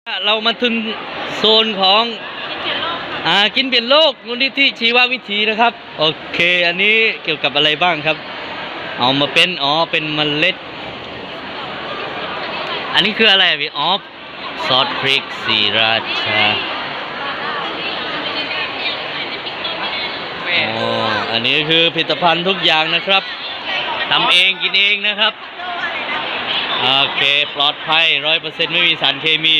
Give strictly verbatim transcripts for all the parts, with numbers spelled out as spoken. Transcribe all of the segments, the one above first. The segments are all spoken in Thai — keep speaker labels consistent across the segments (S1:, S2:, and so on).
S1: เรามาถึงโซนของอ่ากินเปลี่ยนโลกมูลนิธิชีววิถีนะครับโอเคอันนี้เกี่ยวกับอะไรบ้างครับเอามาเป็นอ๋อเป็นเมล็ดอันนี้คืออะไรพี่อ๋อซอสพริกสีราชาอ๋ออันนี้คือผลิตภัณฑ์ทุกอย่างนะครับทำเองกินเองนะครับโอเคปลอดภัยร้อยเปอร์เซ็นต์ไม่มีสารเคมี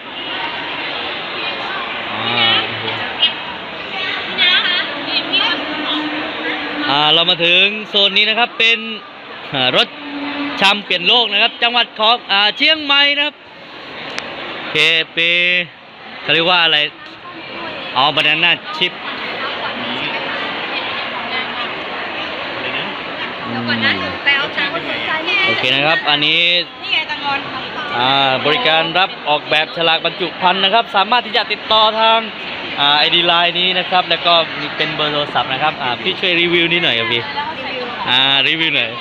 S1: อ่าเรามาถึงโซนนี้นะครับเป็นรถชำเปลี่ยนโลกนะครับจังหวัดของอ่าเชียงใหม่นะครับเคเปเขาเรียกว่าอะไรอ๋อบานาน่าชิปโอเคนะครับอันนี้บริการรับออกแบบฉลากบรรจุภัณฑ์นะครับสามารถที่จะติดต่อทางไอดีไลน์นี้นะครับแล้วก็มีเป็นเบอร์โทรศัพท์นะครับพี่ช่วยรีวิวนี้หน่อยครับพี่อ่ารีวิวหน่อย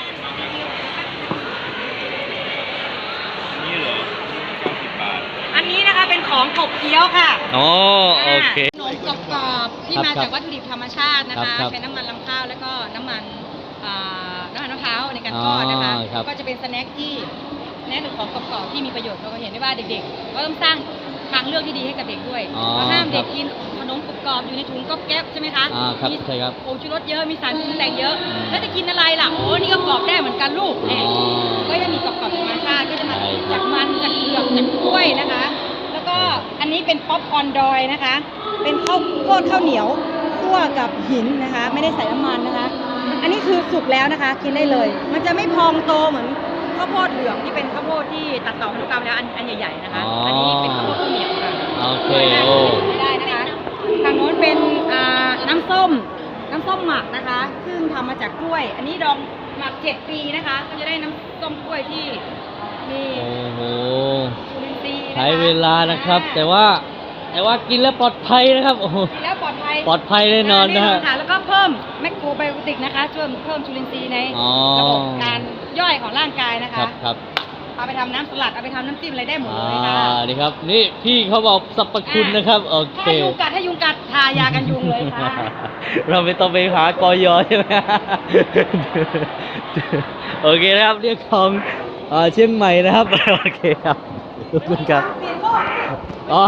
S2: นี่เหรอ
S3: อันนี้นะคะเป็นของขบเคี้ยวค่ะ
S1: อ๋อโอเค
S3: ขนมกรอบๆที่มาจากวัตถุดิบธรรมชาตินะคะใช้น้ำมันลำข้าวแล้วก็น้ำมันน้ำมันมะพร้าวในการทอดนะคะก็จะเป็นสแน็คที่แนะนำของกรอบๆที่มีประโยชน์เราก็เห็นได้ว่าเด็กๆก็ต้องสร้างทางเลือกที่ดีให้กับเด็กด้วยเราห้ามเด็กกินขนมกรอบๆอยู่ในถุงก๊อบแก๊บใช่ไหมคะ
S1: มี
S3: ผงชูรสเยอะมีสารปรุงแต่งเยอะแล้วจะกินอะไรล่ะโอ้นี่ก็กรอบได้เหมือนกันลูกเนี่ยก็จะมีกรอบๆธรรมชาติก็จะมาจากมันจากเปลือกจากกล้วยนะคะแล้วก็อันนี้เป็นป๊อปคอร์นดอยนะคะเป็นข้าวโพดข้าวเหนียวคั่วกับหินนะคะไม่ได้ใส่น้ำมันนะคะอันนี้คือสุกแล้วนะคะกินได้เลยมันจะไม่พองโตเหมือนข้าวโพดเหลืองที่เป็นข้าวโพดที่ตัดต่อพันธุกรรมแล้วอันอันใหญ่ๆนะคะอันนี้เป็นข้าวโพดข้าวเหนียวค่ะ
S1: โอเคโอ้
S3: ไม่ได้นะคะทางโน้นเป็นอ่าน้ำส้มน้ำส้มหมักนะคะซึ่งทำมาจากกล้วยอันนี้ดองหมักเจ็ดปีนะคะก็จะได้น้ำส้มกล้วยที่มี
S1: โอ้โห
S3: จุลินทรีย์
S1: ใช้เวลานะครับแต่ว่าแต่ว่ากินแล้วปลอดภัยนะครับโอ้
S3: กินแล้วปลอดภัย
S1: ปลอดภัยแน่นอนนะฮะ
S3: แล้วก็เพิ่มแมคโครไบโอติกนะคะช่วยเพิ่มจุลินทรีย์ในระบบการย่อยของร่างกายนะคะ
S1: ครับครับ
S3: เอาไปทำน้ำสลัดเอาไปทำน้ำจิ้มอะไรได้หมดเลยค่ะ
S1: นี่ครับนี่พี่เขาบอกสรรพคุณนะครับโอเค
S3: ถ้ายุงกัดถ้ายุงกัดทายากันยุงเลยค่ะ
S1: เราไม่ต้องไปหากอยอใช่ไหมโอเคนะครับเรียกของเชียงใหม่นะครับโอเคครับขอบคุณครับอ๋อ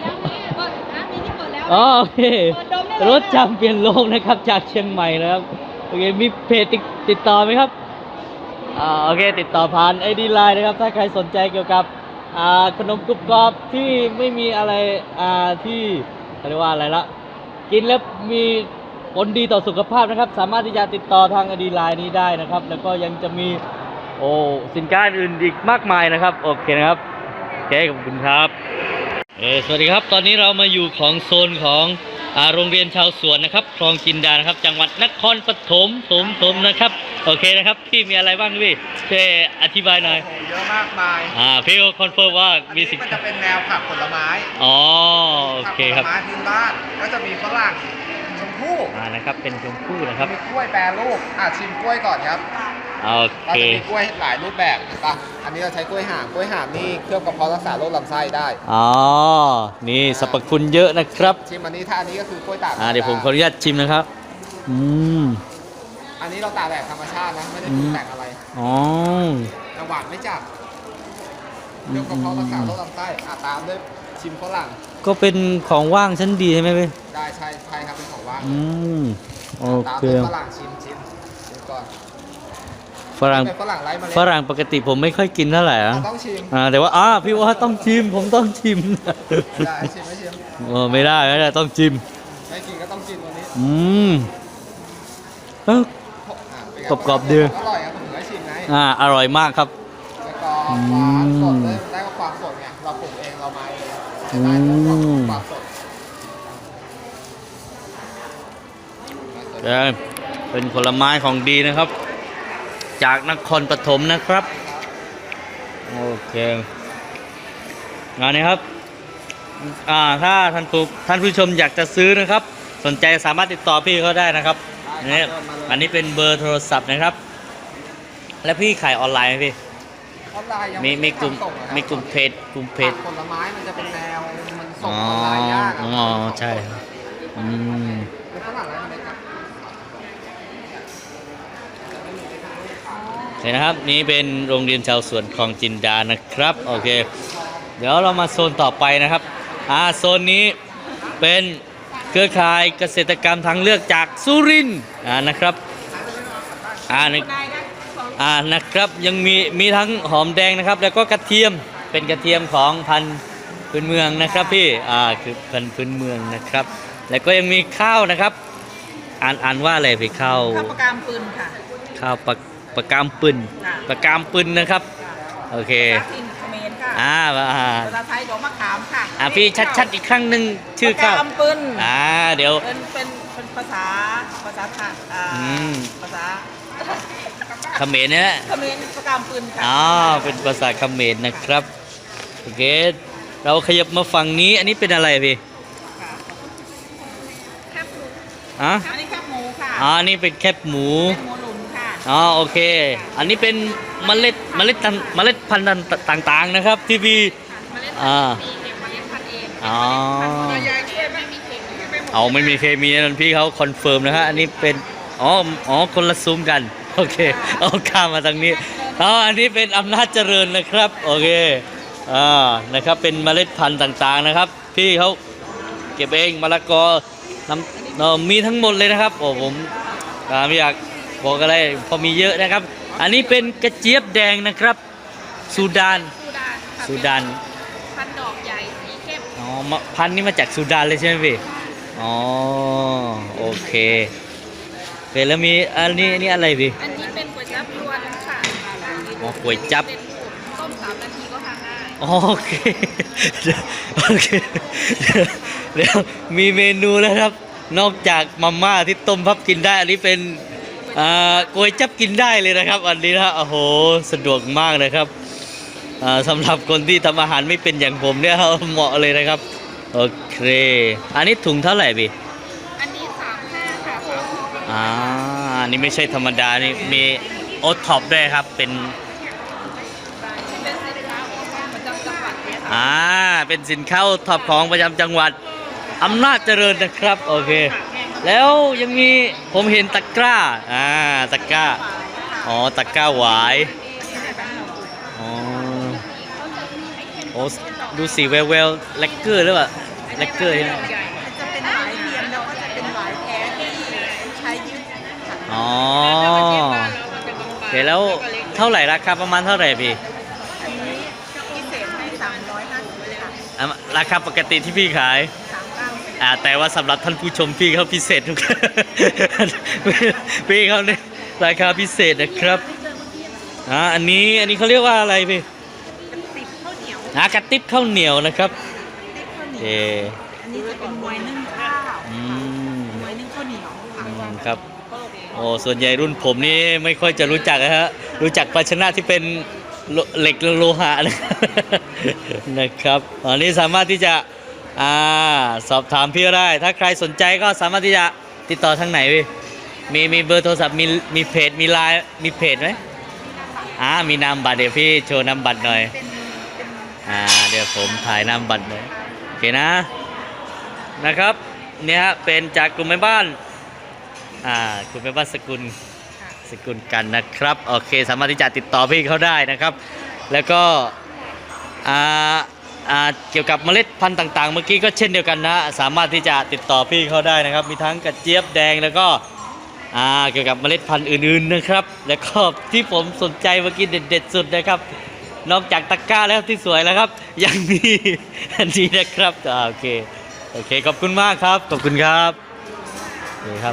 S1: โอเครถจำเปลี่ยนโลกนะครับจากเชียงใหม่นะครับโอเคมีเพจติดต่อไหมครับอ่าโอเคติดต่อผ่านไอดีไลน์นะครับถ้าใครสนใจเกี่ยวกับอ่าขนมกรุบกรอบที่ไม่มีอะไรอ่าที่เรียกว่าอะไรละกินแล้วมีผลดีต่อสุขภาพนะครับสามารถที่จะติดต่อทางไอดีไลน์นี้ได้นะครับแล้วก็ยังจะมีโอ้สินค้าอื่นอีกมากมายนะครับโอเคนะครับโอเคขอบคุณครับเออสวัสดีครับตอนนี้เรามาอยู่ของโซนของอ่าโรงเรียนชาวสวนนะครับคลองจินดานะครับจังหวัดนครปฐมถมถมนะครับโอเคนะครับพี่มีอะไรบ้างพี่ช่วยอธิบายหน่อย
S2: เยอะมากมาย
S1: อ่าพี่ก็คอนเฟิร์มว่ามีสิ่ง
S2: มันจะเป็นแนวผักผลไม้
S1: อ๋อโอเคครับ
S2: ผักผลไม้พื้นบ้านก็จะมีฝรั่งชมพู่
S1: อ่านะครับเป็นชมพู่นะครับ
S2: มีกล้วยแปรรูปอ่ะชิมกล้วยก่อนครับ
S1: โอเค
S2: เราจะมีกล้วยหลายรูปแบบป่ะอันนี้เราใช้กล้วยห่ามกล้วยห่ามนี่เคลือบกระเพาะรักษาโรคลำไส้ได้
S1: อ๋อนี่สรรพคุณเยอะนะครับ
S2: ชิมอันนี้ถ้าอันนี้ก็คือกล้วยตาก
S1: อ่าเดี๋ยวผมขออนุญาตชิมนะครับอืม
S2: อันนี้เราตากแบบธรรมชาตินะไม่ได้ปรุงแต่งอะไร
S1: อ๋อ
S2: แต่หวานไม่จัดเคลือบกระเพาะรักษาโรคลำไส้อ่ะตามด้วยชิมฝรั่ง
S1: ก็เป็นของว่างชั้นดีใช่ไหมพี่
S2: ได้ใช่ใช่ครับเป็นของว่าง
S1: อืมโอเค
S2: ฝรั่งชิมชิมชิมก่อน
S1: ฝรั่งฝรั่งปกติผมไม่ค่อยกินเท่าไหร่อ่ะ
S2: ต้องชิม
S1: อ่าแต่ว่าอ่าพี่ว่าต้องชิมผมต้องชิม
S2: ได้ชิมไม่ชิม
S1: โอ้ไม่ได้ไม่ได้ต้องชิม
S2: ไม่กินก็ต้องชิมวันนี้
S1: อืมเออกรอบกรอบดี
S2: อร่อยครับผมได้ชิมไง
S1: อ่าอร่อยมากครับ
S2: แล้วก็หวานสดเลยได้ความสดไงเราปลูกเองเรามาเองได้ความสด
S1: เป็นผลไม้ของดีนะครับจากนครปฐมนะครับโอเคงานนี้ครับอ่าถ้าท่านผู้ท่านผู้ชมอยากจะซื้อนะครับสนใจสามารถติดต่อพี่เขาได้นะครับนี่อันนี้เป็นเบอร์โทรศัพท์นะครับและพี่ขายออนไลน์ไหมพี่
S2: ออนไลน์ยัง
S1: มีมีกลุ่มมีกลุ่มเพจกกลุ่มเพจ
S2: ผลไม้มันจะเป็นแนวมันส่
S1: อ๋
S2: ง
S1: อ
S2: ออนไลน์ยากะ
S1: อ๋อใช่ครับอืม
S2: เป็นฝรั่งอะไรกันครับ
S1: โอเคนะครับนี่เป็นโรงเรียนชาวสวนคลองจินดานะครับโอเคเดี๋ยวเรามาโซนต่อไปนะครับอ่าโซนนี้เป็นเครือข่ายเกษตรกรรมทางเลือกจากสุรินทร์อ่านะครับอ่าในอ่านะครับยังมีมีทั้งหอมแดงนะครับแล้วก็กระเทียมเป็นกระเทียมของพันธุ์พื้นเมืองนะครับพี่อ่าคือพันธุ์พื้นเมืองนะครับแล้วก็ยังมีข้าวนะครับอ่านอ่านว่าอะไรพี่ข้าว
S4: ข้าวประกามปืนค่ะ
S1: ข้าวปลาปลากามปืน
S4: ค่ะ
S1: ปลากามปืนนะครับโอเค
S4: ภาษาถิ่นเขมรค่ะ
S1: อ่าอ่า
S4: ภาษาไทยดอกมะขามค่ะ
S1: อ่าพี่ชัดๆอีกครั้งหนึ่งชื่อ
S4: ข้า
S1: ข้าว ว
S4: ประกามปืน
S1: อ่าเดี๋ยว
S4: เป็นเป็นเป็นภาษาภาษาไทยอ่า
S1: อืม
S4: ภาษา
S1: เขมรเนี่ยนะ
S4: เขมรประกามปืนค่ะ
S1: อ๋อเป็นภาษาเขมรนะครับโอเคเราขยับมาฝั่งนี้อันนี้เป็นอะไรพี่
S4: ค่ะแคบหมู
S1: อ่ะ
S4: อันนี้แคบหมูค่ะ
S1: อ๋ออันนี้เป็นแคบหมู
S4: เป็นหมูหลุมค่ะ
S1: อ๋อโอเค อันนี้เป็นเมล็ดเมล็ดตันเมล็ดพันธุ์ต่างๆนะครับที่พี่อ่าอ๋อ
S4: ยายช่วยไม่มีเข่งไม่
S1: เอาไม่มีเคมีนั่นพี่เขาคอนเฟิร์มนะฮะอันนี้เป็นอ๋ออ๋อคนละซุ้มกันโอเคเอาข้ามมาทางนี้อ๋ออันนี้เป็นอำนาจเจริญนะครับโอเคอ่านะครับเป็นเมล็ดพันธุ์ต่างๆนะครับพี่เขาเก็บเองมะละกอน้ำเอ่อมีทั้งหมดเลยนะครับโอ้ผมอ่าไม่อยากบอกอะไรเพอมีเยอะนะครับ อันนี้เป็นกระเจี๊ยบแดงนะครับซูดาน
S3: ซูดานค่ะ
S1: ซูดาน
S3: พันดอกใหญ่สีเข้ม
S1: อ๋อมะพันธุ์นี้มาจากซูดานเลยใช่ไหมพี่อ๋อโอเคโอเคแล้วมีอันนี้อันนี้อะไรพี่
S3: อันนี้เป็นก๋วยจั๊บยวนค่ะ
S1: อ๋อก๋วยจั๊บ
S3: เป็นต้มสามนาทีก็ทานได้
S1: โอเคโอเคเดี๋ยวมีเมนูแล้วครับ นอกจากมาม่าที่ต้มพับกินได้ อันนี้เป็นอ่าก๋วยจั๊บกินได้เลยนะครับ อันนี้นะโอ้โหสะดวกมากนะครับอ่าสำหรับคนที่ทำอาหารไม่เป็นอย่างผมเนี่ยเหมาะเลยนะครับโอเคอันนี้ถุงเท่าไหร่พี่
S3: อันนี้สามห้าค่ะสามห้า
S1: อ่าอันนี้ไม่ใช่ธรรมดานี่มีโอท็อปด้วยครับเป็น
S3: เป็นสินค้าของประจำจังหวัดเนี่ยค่ะ
S1: อ่า เป็นสินค้าท็อปของประจำจังหวัดอำนาจเจริญนะครับ โอเค แล้วยังมีผมเห็นตะกร้า อ่า ตะกร้า อ๋อ ตะกร้าหวาย อ๋อ โอ้ดูสีแววแววๆแลกเกอร์หรือเปล่าแลกเกอร์ใช่ไหม
S4: จะเป็นหวายเทียมแล้วก็จะเป็นหวายแท้ที่ใช้ยืดค่ะ
S1: อ๋อโอเคแล้วเท่าไหร่ราคาประมาณเท่าไหร่พี่
S4: อันนี้พิเศษให้สามร้อยห้าสิบเลยค่ะ
S1: อ่ะราคาปกติที่พี่ขาย
S4: สามเก้า
S1: อ่าแต่ว่าสำหรับท่านผู้ชมพี่เขาพิเศษทุก พี่เขาเนี่ยราคาพิเศษนะครับอ่าอันนี้อันนี้เขาเรียกว่าอะไรพี่
S4: ติดข้าวเหนียว
S1: อ่ากระติบข้าวเหนียวนะครับ
S4: ติดข้าวเหนี
S1: เอ
S4: ยวอันนี้จะเป็นมวยนึ่งข้าว
S1: อืม
S4: มวยนึ่งข้าวเหนียวค่ะ
S1: อืมครับโอ้ส่วนใหญ่รุ่นผมนี่ไม่ค่อยจะรู้จักนะฮะรู้จักภาชนะที่เป็นโลเหล็กโลหะนะ นะครับอันนี้สามารถที่จะอ่าสอบถามพี่ก็ได้ ถ้าใครสนใจก็สามารถที่จะติดต่อทางไหนพี่มีมีเบอร์โทรศัพท์มีมีเพจมีไลน์มีเพจไหมอ่ามีนามบัตรเดี๋ยวพี่โชว์นามบัตรหน่อย
S4: เป็นเป็น
S1: อ่าเดี๋ยวผมถ่ายนามบัตรหน่อยโอเคนะนะครับเนี่ยฮะเป็นจากกลุ่มแม่บ้านอ่ากลุ่มแม่บ้านสกุลสกุลกันนะครับโอเคสามารถที่จะติดต่อพี่เขาได้นะครับ แล้วก็อ่าอ่าเกี่ยวกับเมล็ดพันธุ์ต่างๆ เมื่อกี้ก็เช่นเดียวกันนะสามารถที่จะติดต่อพี่เขาได้นะครับ มีทั้งกระเจี๊ยบแดงแล้วก็อ่าเกี่ยวกับเมล็ดพันธุ์อื่นๆนะครับ แล้วก็ที่ผมสนใจเมื่อกี้เด็ดๆสุดนะครับ นอกจากตะกร้าแล้วที่สวยแล้วครับ ยังมีอันนี้นะครับอ่าโอเคโอเคขอบคุณมากครับขอบคุณครับโอเคครับ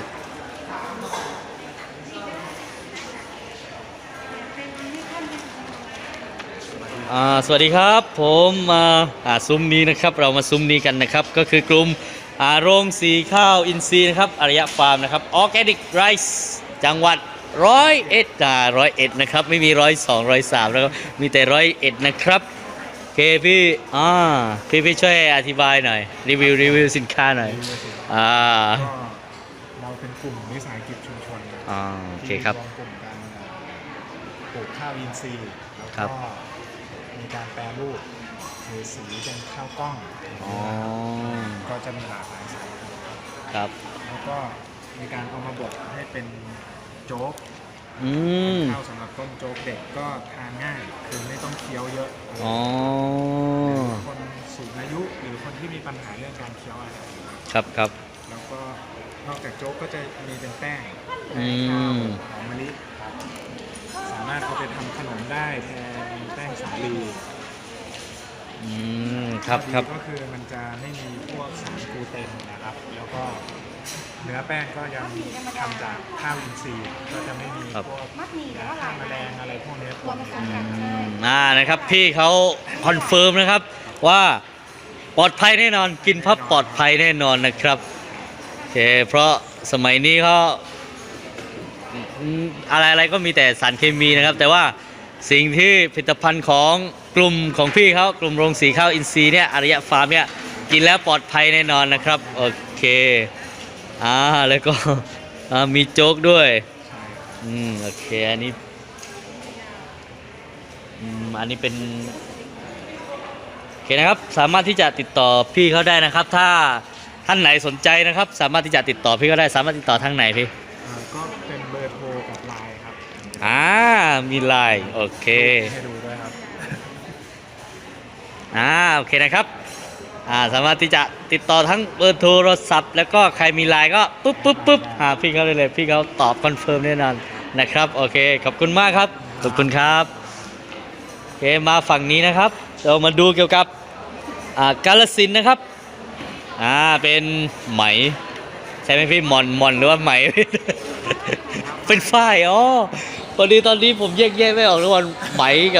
S1: อ่าสวัสดีครับผมมาอ่าซุ้มนี้นะครับเรามาซุ้มนี้กันนะครับก็คือกลุ่มอ่าโรงสีข้าวอินทรีย์นะครับอารยะฟาร์มนะครับออร์แกนิกไรซ์จังหวัดร้อยเอ็ดอ่าร้อยเอ็ดนะครับไม่มีร้อยสองร้อยสามแล้วก็มีแต่ร้อยเอ็ดนะครับโอเคพี่อ่าพี่พี่ช่วยอธิบายหน่อยรีวิวรีวิวสินค้าหน่อยอ่า
S5: ก็เราเป็นกลุ่มวิสาหกิจชุมชน
S1: อ่าโอเคครับ
S5: ที่รวมกลุ่มกันปลูกข้าวอินทรีย์แล้ว
S1: ครั
S5: ก็
S1: บ
S5: มีการแปรรูปเทสีเป็นข้าวกล้อง
S1: อ๋อ
S5: ก็จะมีหลากหลายสายพันธุ์
S1: ครับ
S5: แล้วก็มีการเอามาบดให้เป็นโจ๊ก
S1: อืม
S5: ข้าวสำหรับต้มโจ๊กเด็กก็ทานง่ายคือไม่ต้องเคี้ยวเยอะ
S1: อ๋อ
S5: หรือคนสูงอายุหรือคนที่มีปัญหาเรื่องการเคี้ยวอาหาร
S1: ครับครับ
S5: แล้วก็นอกจากโจ๊กก็จะมีเป็นแป้ง
S1: อื
S5: แป้งข้าว
S1: ม
S5: หอมมะลิครับสามารถเอาไปทำขนมได้แทนแป้งสาลี
S1: อืม ครับ
S5: ข้อดี
S1: ครับ
S5: ก็คือมันจะไม่มีพวกสารกลูเตนนะครับ แล้วก็เนื้อแป้งก็ยังทำจากข้าวอินทรีย์ก็จะไม่มี
S1: ครับ
S5: พวกยาฆ่าแมลงอะไรพวกนี้ปนอยู่
S1: อืมอ่านะครับ พี่เขาคอนเฟิร์มนะครับว่าปลอดภัยแน่นอน กินพับปลอดภัยแน่นอนนะครับโอเคเพราะสมัยนี้เขาอืมอะไรอะไรก็มีแต่สารเคมีนะครับ แต่ว่าสิ่งที่ผลิตภัณฑ์ของกลุ่มของพี่เขากลุ่มโรงสีข้าวอินทรีย์เนี่ยอารยะฟาร์มเนี่ยกินแล้วปลอดภัยแน่นอนนะครับโอเคอ่าแล้วก็อ่ามีโจ๊กด้วย
S5: ใช่ครับ
S1: อืมโอเคอันนี้อืมอันนี้เป็นโอเคนะครับสามารถที่จะติดต่อพี่เขาได้นะครับ ถ้าท่านไหนสนใจนะครับ สามารถที่จะติดต่อพี่เขาได้สามารถติดต่อทางไหนพี่
S5: อ่าก็เป็นเบอร์โทรกับไลน์ครับ
S1: อ่ามีไลน์โอเค
S5: ให้ดูด้วยครับ
S1: อ่าโอเคนะครับอ่าสามารถที่จะติดต่อทั้งเบอร์โทรศัพท์ แล้วก็ใครมีไลน์ก็ปุ๊บปุ๊บปุ๊บหาพี่เขาเลยเลยพี่เขาตอบคอนเฟิร์มแน่นอนนะครับโอเคขอบคุณมากครับขอบคุณครับโอเคมาฝั่งนี้นะครับ เรามาดูเกี่ยวกับอ่ากาฬสินธุ์นะครับอ่าเป็นไหมใช่ไหมพี่หมอนหมอนหรือว่าไหม เป็นฝ้ายอ๋อพอดีตอนนี้ผมแยกแยะไม่ออกระหว่างไหมกับ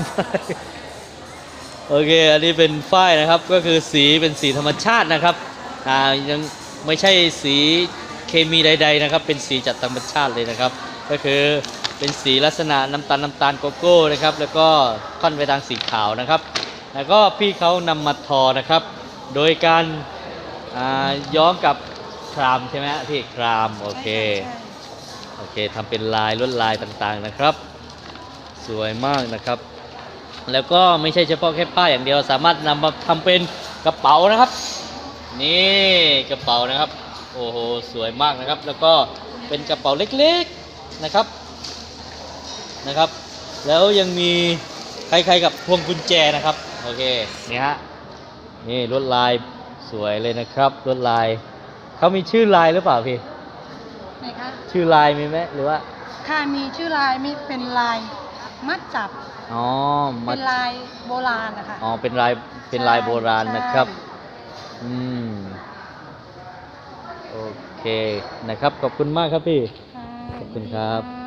S1: โอเค อันนี้เป็นฝ้ายนะครับ ก็คือสีเป็นสีธรรมชาตินะครับ อ่า ยังไม่ใช่สีเคมีใดๆนะครับ เป็นสีจากธรรมชาติเลยนะครับ ก็คือเป็นสีลักษณะน้ำตาลน้ำตาลโกโก้นะครับ แล้วก็ค่อนไปทางสีขาวนะครับ แล้วก็พี่เขานำมาทอนะครับ โดยการอ่าย้อมกับครามใช่ไหมฮะพี่คราม โอเค โอเคทำเป็นลายลวดลายต่างๆนะครับ สวยมากนะครับ แล้วก็ไม่ใช่เฉพาะแค่ผ้าอย่างเดียวสามารถนำมาทำเป็นกระเป๋านะครับ นี่กระเป๋านะครับ โอ้โหสวยมากนะครับ แล้วก็เป็นกระเป๋าเล็กๆนะครับนะครับ แล้วยังมีคล้ายๆกับพวงกุญแจนะครับโอเคนี่ฮะนี่ลวดลายสวยเลยนะครับลวดลายเขามีชื่อลายหรือเปล่าพี่
S4: ไหนคะ
S1: ชื่อลายมีไหมหรือว่า
S4: ค่ะมีชื่อลายมีเป็นลายมัดจับ
S1: อ๋อมา
S4: เป็นลายโบราณนะคะ
S1: อ๋อเป็นลายเป็นลายโบราณนะครับ
S4: ใช่
S1: อืมโอเคนะครับขอบคุณมากครับพี่
S4: ค่ะ
S1: ขอบคุณครับ